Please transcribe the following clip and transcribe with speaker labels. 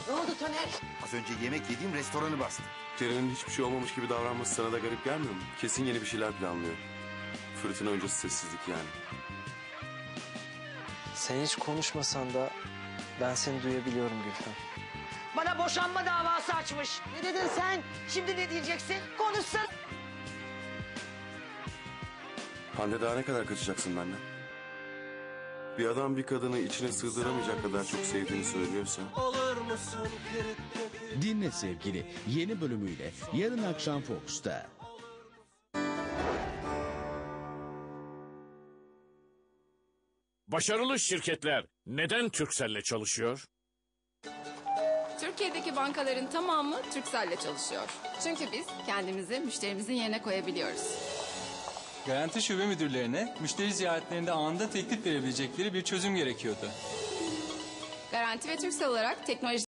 Speaker 1: Ne oldu Taner?
Speaker 2: Az önce yemek yediğim restoranı bastı.
Speaker 3: Ceren'in hiçbir şey olmamış gibi davranması sana da garip gelmiyor mu? Kesin yeni bir şeyler planlıyor. Fırtına öncesi sessizlik yani.
Speaker 4: Sen hiç konuşmasan da ben seni duyabiliyorum Gülfem.
Speaker 1: Bana boşanma davası açmış. Ne dedin sen? Şimdi ne diyeceksin? Konuşsana.
Speaker 3: Hande daha ne kadar kaçacaksın benden? Bir adam bir kadını içine sığdıramayacak kadar çok sevdiğini söylüyorsa...
Speaker 5: Dinle Sevgili yeni bölümüyle yarın akşam Fox'ta.
Speaker 6: Başarılı şirketler neden Turkcell'le çalışıyor?
Speaker 7: Türkiye'deki bankaların tamamı Turkcell'le çalışıyor. Çünkü biz kendimizi müşterimizin yerine koyabiliyoruz.
Speaker 8: Garanti şube müdürlerine müşteri ziyaretlerinde anında teklif verebilecekleri bir çözüm gerekiyordu.
Speaker 7: Garanti ve Turkcell olarak teknoloji